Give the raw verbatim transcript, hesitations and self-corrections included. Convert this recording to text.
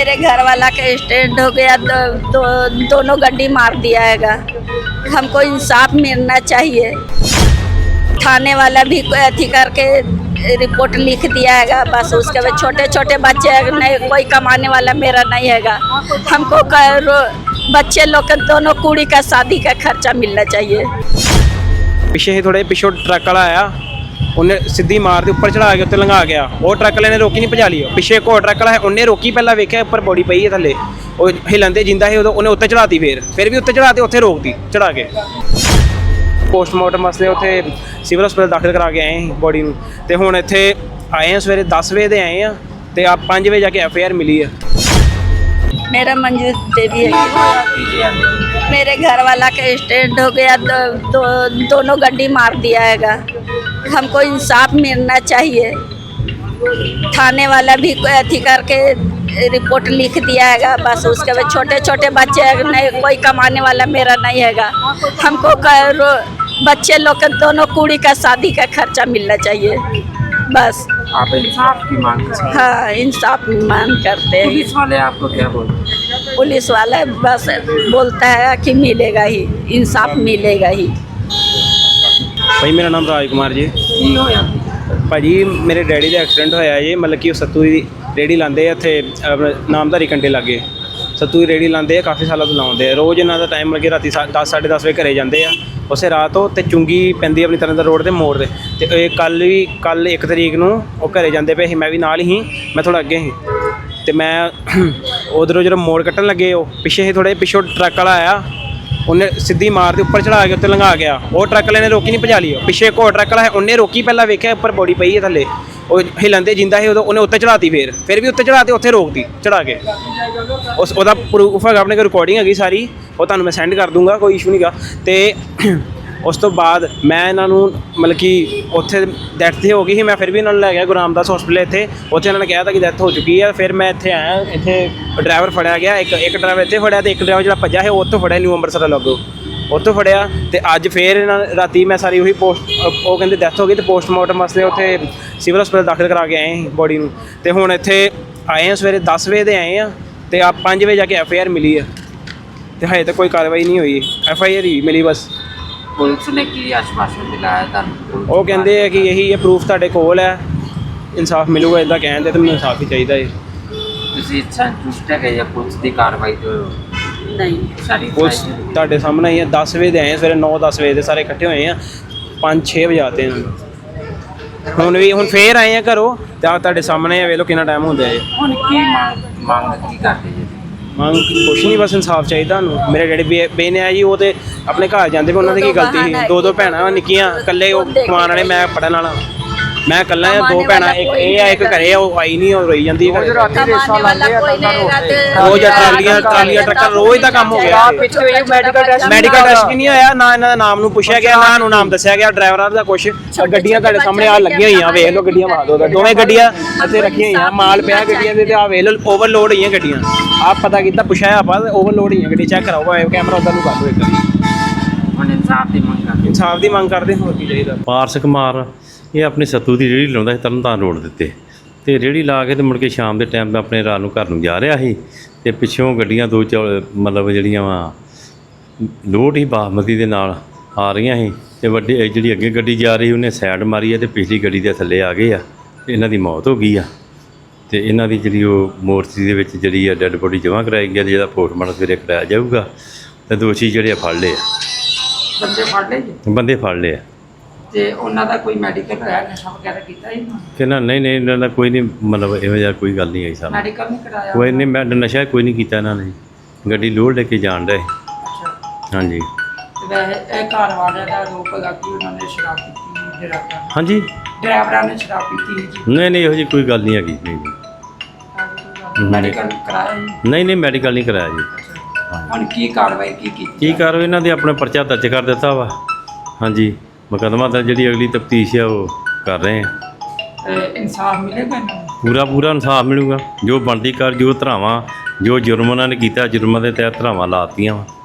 मेरे घर वाला का एक्सीडेंट हो गया, दो, दो, दोनों गड्डी मार दिया हैगा। हमको इंसाफ मिलना चाहिए। थाने वाला भी कोई अथी करके रिपोर्ट लिख दिया हैगा, बस उसके बाद छोटे छोटे बच्चे नहीं, कोई कमाने वाला मेरा नहीं हैगा। हमको बच्चे लोग के दोनों कुड़ी का शादी का खर्चा मिलना चाहिए। पिछे ही थोड़े पिछों ट्रक वाला आया, उन्हें सीधी मार दी, उपर चढ़ा के उत्ते लंघा गया। वो ट्रक वाले ने रोकी नहीं, भजा ली। पिछे एक और ट्रक वाला है, उन्हें रोकी, पहला वेख्या उपर बॉडी पई है थले, वो हिलंदे जिंदा है, उन्हें उत्ते चढ़ाती, फिर फिर भी उत्ते चढ़ाती, उत्थे रोकती चढ़ा के। पोस्टमार्टम वास्ते उत्थे सिविल हस्पताल दाखिल करा के आए बॉडी नूं, ते हुण इत्थे आए हैं सवेरे दस बजे दे आए हैं, ते आप पाँच बजे जाके एफ आई आर मिली है। मेरा मंजू देवी है। मेरे घर वाला का एक्सीडेंट हो गया, दो, दो, दोनों गड्डी मार दिया हैगा। हमको इंसाफ मिलना चाहिए। थाने वाला भी कोई अथी करके रिपोर्ट लिख दिया हैगा, बस उसके बाद छोटे छोटे बच्चे नहीं, कोई कमाने वाला मेरा नहीं हैगा। हमको बच्चे लोग के दोनों कुड़ी का शादी का खर्चा मिलना चाहिए, बस। आप इंसाफ की मांग करते हैं? हाँ, इंसाफ मांग करते हैं। पुलिस वाले आपको क्या बोलते हैं? पुलिस वाला बस बोलता है कि मिलेगा ही, इंसाफ मिलेगा ही। भाई मेरा नाम राज कुमार जी। की होया भाजी मेरे डैडी का एक्सीडेंट होया जी, मतलब कि सत्तू की रेहड़ी लाते इत्थे नामधारी कंडे लागे। सत्तू की रेहड़ी लाते काफ़ी सालों तो लाते, रोज़ इन्हों का टाइम लगे राती दस साढ़े दस बजे घरे जाते हैं। उसे रात तो चुंगी पैंदी अपनी तरह रोड के मोड़ से, तो कल भी कल एक तरीक नूं वो घरे जाते पे, मैं भी नाल ही, मैं थोड़ा अगे ही, तो मैं उधरों जो मोड़ कट्टन लगे, वो पिछे ही थोड़े पिछों ट्रक वाला आया, उन्हें सीधी मार दी, उपर चढ़ा के उत्ते लंघा गया। वो ट्रक वाले ने रोकी नहीं, भजा ली। पिछे एक और ट्रक वाला है, उन्हें रोकी, पहला वेख्या उपर बॉडी पई है थले, वो हिलंदे जिंदा है, उन्हें उत्ते चढ़ाती, फिर फिर भी उत्ते चढ़ाती, उत्थे रोकती चढ़ा के। उस ओदा प्रूफ है अपने कोल, रिकॉर्डिंग हैगी सारी, वो तुहानूं मैं सेंड कर दूँगा, कोई इशू नहीं गा। तो उस तो बाद मैं इन्हों मतलब कि उत्थे डैथ हो गई, मैं फिर भी इन्होंने लै गया गुरु रामदास हॉस्पिटल इत्थे, उत्थे इन्होंने कहा था कि डैथ हो चुकी है। फिर मैं इत्थे आया, इत्थे ड्राइवर फड़िया गया, एक एक ड्राइवर इत्थे फड़िया, तो एक ड्राइवर जो भज्जा है उत्थों फड़िया, न्यू अंबरसर लगो उत्थों फड़िया। तो अज फिर राती मैं सारी उही पोस्ट, वो कहते डैथ हो गई, तो पोस्टमार्टम वास्ते उत्थे सिविल हस्पताल दाखिल करा के आए बॉडी नूं, ते हुण इत्थे आए हैं सवेरे दस बजे दे आए हैं, तो आप पाँच बजे जाके एफ आई आर मिली है, तो हजे तक कोई कार्रवाई नहीं हुई। एफ आई आर ही मिली बस। पुलिस ने की आश्वासन दिलाया ਤੁਹਾਨੂੰ? ਉਹ ਕਹਿੰਦੇ ਆ ਕਿ ਇਹੀ ਇਹ ਪ੍ਰੂਫ ਤੁਹਾਡੇ ਕੋਲ ਹੈ, ਇਨਸਾਫ ਮਿਲੂਗਾ, ਇਦਾਂ ਕਹਿੰਦੇ, ਤੇ ਮੈਨੂੰ ਇਨਸਾਫ ਹੀ ਚਾਹੀਦਾ ਹੈ। ਤੁਸੀਂ ਸੰਤੁਸ਼ਟ ਹੈ ਕਿ ਪੁਲਿਸ ਦੀ ਕਾਰਵਾਈ ਤੋਂ? नहीं, ਸਾਰੀ ਪੁਲਿਸ ਤੁਹਾਡੇ ਸਾਹਮਣੇ ਹੀ ਹੈ, ਦਸ ਵਜੇ ਦੇ ਆਏ ਸਵੇਰੇ, ਨੌ ਦਸ ਵਜੇ ਦੇ ਸਾਰੇ ਇਕੱਠੇ ਹੋਏ ਆ, ਪੰਜ ਛੇ ਵਜੇ ਆਤੇ ਹਨ। ਹੁਣ ਵੀ ਹੁਣ ਫੇਰ ਆਏ ਆ ਘਰੋਂ, ਤੇ ਆ ਤੁਹਾਡੇ ਸਾਹਮਣੇ ਆ, ਵੇਖ ਲਓ ਕਿੰਨਾ ਟਾਈਮ ਹੁੰਦਾ ਹੈ। ਹੁਣ ਕੀ ਮੰਗ ਮੰਗ ਕੀ ਕਰਦੇ ਜੀ? ਮੰਗ ਕੁਛ ਨਹੀਂ, ਬਸ ਇਨਸਾਫ ਚਾਹੀਦਾ ਤੁਹਾਨੂੰ। ਮੇਰੇ ਡੈਡੀ ਬੇ ਬੇਨੇ ਆ ਜੀ, ਉਹ ਤੇ ਆਪਣੇ ਘਰ ਜਾਂਦੇ ਪਏ, ਉਹਨਾਂ ਦੀ ਕੀ ਗਲਤੀ ਸੀ? ਦੋ ਦੋ ਭੈਣਾਂ ਨਿੱਕੀਆਂ, ਇਕੱਲੇ ਉਹ ਕਮਾਉਣ ਵਾਲੇ, ਮੈਂ ਪੜ੍ਹਨ ਵਾਲਾ, ਮੈਂ ਇਕੱਲਾ ਆ। ਦੋ ਭੈਣਾਂ, ਇੱਕ ਇਹ ਆ, ਇੱਕ ਘਰੇ ਆ, ਉਹ ਆਈ ਨਹੀਂ, ਉਹ ਰੋਈ ਜਾਂਦੀ ਹੈ। कमाने वाला कोई नहीं रहते। ਰੋਜ਼ ਟਰਾਲੀਆਂ ਟਰਾਲੀਆਂ ਟਰੱਕਾਂ, ਰੋਜ਼ ਦਾ ਕੰਮ ਹੋ ਗਿਆ। ਮੈਡੀਕਲ ਟੈਸਟ ਵੀ ਨਹੀਂ ਹੋਇਆ, ਨਾ ਇਹਨਾਂ ਦਾ ਨਾਮ ਨੂੰ ਪੁੱਛਿਆ ਗਿਆ, ਨਾ ਨੂੰ ਨਾਮ ਦੱਸਿਆ ਗਿਆ ਡਰਾਈਵਰਾਂ ਦਾ ਕੁਛ। ਗੱਡੀਆਂ ਤੁਹਾਡੇ ਸਾਹਮਣੇ ਆ ਲੱਗੀਆਂ ਹੋਈਆਂ, ਵੇਖ ਲਓ ਗੱਡੀਆਂ, ਮਾਰ ਦੋ ਦੋਵੇਂ ਗੱਡੀਆਂ ਇੱਥੇ ਰੱਖੀਆਂ ਹੋਈਆਂ, ਮਾਲ ਪਿਆ ਗੱਡੀਆਂ ਦੇ, ਤੇ ਆ ਵੇਖ ਲਓ ਓਵਰਲੋਡ ਹੋਈਆਂ ਗੱਡੀਆਂ। ਆਪ ਪਤਾ ਕੀਤਾ, ਪੁੱਛਿਆ ਆਪਾਂ, ਓਵਰਲੋਡ ਹੋਈਆਂ ਗੱਡੀ, ਚੈੱਕ ਕਰਾਓ ਕੈਮਰਾ ਉੱਧਰ ਨੂੰ ਕਰ ਦਿਓ ਇੱਕ। ਹੁਣ ਇਨਸਾਫ ਦੀ ਮੰਗ ਕਰਦੇ? ਇਨਸਾਫ ਦੀ ਮੰਗ ਕਰਦੇ, ਹੋਰ ਕੀ ਚਾਹੀਦਾ। ਪਾਰਸ ਕੁਮਾਰ ਇਹ ਆਪਣੀ ਸੱਤੂ ਦੀ ਰੇਹੜੀ ਲਾਉਂਦਾ ਸੀ ਤਰਨਤਾਰਨ ਰੋਡ ਦੇ ਉੱਤੇ, ਅਤੇ ਰੇਹੜੀ ਲਾ ਕੇ ਅਤੇ ਮੁੜ ਕੇ ਸ਼ਾਮ ਦੇ ਟਾਈਮ ਆਪਣੇ ਰਾਤ ਨੂੰ ਘਰ ਨੂੰ ਜਾ ਰਿਹਾ ਸੀ, ਅਤੇ ਪਿੱਛੋਂ ਗੱਡੀਆਂ ਦੋ ਚੌ ਮਤਲਬ ਜਿਹੜੀਆਂ ਵਾ ਲੋਡ ਹੀ ਬਾਸਮਤੀ ਦੇ ਨਾਲ ਆ ਰਹੀਆਂ ਸੀ, ਅਤੇ ਵੱਡੀ ਜਿਹੜੀ ਅੱਗੇ ਗੱਡੀ ਜਾ ਰਹੀ ਉਹਨੇ ਸਾਈਡ ਮਾਰੀ ਹੈ, ਅਤੇ ਪਿਛਲੀ ਗੱਡੀ ਦੇ ਥੱਲੇ ਆ ਗਏ ਆ, ਅਤੇ ਇਹਨਾਂ ਦੀ ਮੌਤ ਹੋ ਗਈ ਆ। ਅਤੇ ਇਹਨਾਂ ਦੀ ਜਿਹੜੀ ਉਹ ਮੂਰਤੀ ਦੇ ਵਿੱਚ ਜਿਹੜੀ ਆ ਡੈੱਡ ਬੋਡੀ ਜਮ੍ਹਾਂ ਕਰਾਈ ਗਈ ਆ, ਜਿਹਦਾ ਪੋਸਟਮਾਰਟਮ ਸਵੇਰੇ ਕਰਾਇਆ ਜਾਊਗਾ, ਅਤੇ ਦੋਸ਼ੀ ਜਿਹੜੇ ਆ ਫੜ ਲਏ ਆ। ਬੰਦੇ ਫੜ ਲਏ ਜੀ? ਬੰਦੇ ਫੜ ਲਏ ਆ। ਤੇ ਉਹਨਾਂ ਦਾ ਕੋਈ ਮੈਡੀਕਲ ਹੋਇਆ, ਨਸ਼ਾ ਵਗੈਰਾ ਕੀਤਾ ਜੀ? ਕਿ ਨਾ ਨਹੀਂ ਨਹੀਂ ਇਹਨਾਂ ਦਾ ਕੋਈ ਨਹੀਂ, ਮਤਲਬ ਇਹੋ ਜਿਹਾ ਕੋਈ ਗੱਲ ਨਹੀਂ ਆਈ ਸਾਨੂੰ। ਮੈਡੀਕਲ ਨਹੀਂ ਕਰਾਇਆ? ਕੋਈ ਨਹੀਂ, ਮੈਂ ਨਸ਼ਾ ਕੋਈ ਨਹੀਂ ਕੀਤਾ ਇਹਨਾਂ ਨੇ, ਗੱਡੀ ਲੋਡ ਲੈ ਕੇ ਜਾਣ ਰਹੇ। ਅੱਛਾ। ਹਾਂਜੀ। ਤੇ ਵੈਸੇ ਇਹ ਘਰ ਵਾਲਿਆਂ ਦਾ ਆਰੋਪ ਹੈਗਾ ਕਿ ਉਹਨਾਂ ਨੇ ਸ਼ਰਾਬ ਪੀਤੀ, ਡਰਾਈਵਰਾਂ ਹਾਂਜੀ ਡਰਾਈਵਰਾਂ ਨੇ ਸ਼ਰਾਬ ਪੀਤੀ ਜੀ? ਨਹੀਂ ਨਹੀਂ ਇਹੋ ਜਿਹੀ ਕੋਈ ਗੱਲ ਨਹੀਂ ਹੈਗੀ। ਨਹੀਂ ਜੀ ਮੈਡੀਕਲ ਕਰਾਇਆ ਜੀ? ਨਹੀਂ ਨਹੀਂ ਮੈਡੀਕਲ ਨਹੀਂ ਕਰਾਇਆ ਜੀ। ਹੁਣ ਕੀ ਕਾਰਵਾਈ ਕੀ ਕੀਤੀ? ਕੀ ਕਾਰਵਾਈ ਇਹਨਾਂ ਦੇ ਆਪਣਾ ਪਰਚਾ ਦਰਜ ਕਰ ਦਿੱਤਾ ਵਾ। ਹਾਂਜੀ, ਮੁਕੱਦਮਾ ਦਾ ਜਿਹੜੀ ਅਗਲੀ ਤਫਤੀਸ਼ ਆ ਉਹ ਕਰ ਰਹੇ ਆ। ਇਨਸਾਫ ਮਿਲੇਗਾ ਇਹਨਾਂ ਨੂੰ? ਪੂਰਾ ਪੂਰਾ ਇਨਸਾਫ ਮਿਲੂਗਾ, ਜੋ ਬਣਦੀ ਕਰ, ਜੋ ਧਰਾਵਾਂ, ਜੋ ਜੁਰਮ ਉਹਨਾਂ ਨੇ ਕੀਤਾ, ਜੁਰਮਾਂ ਦੇ ਤਹਿਤ ਧਰਾਵਾਂ ਲਾਤੀਆਂ ਵਾ।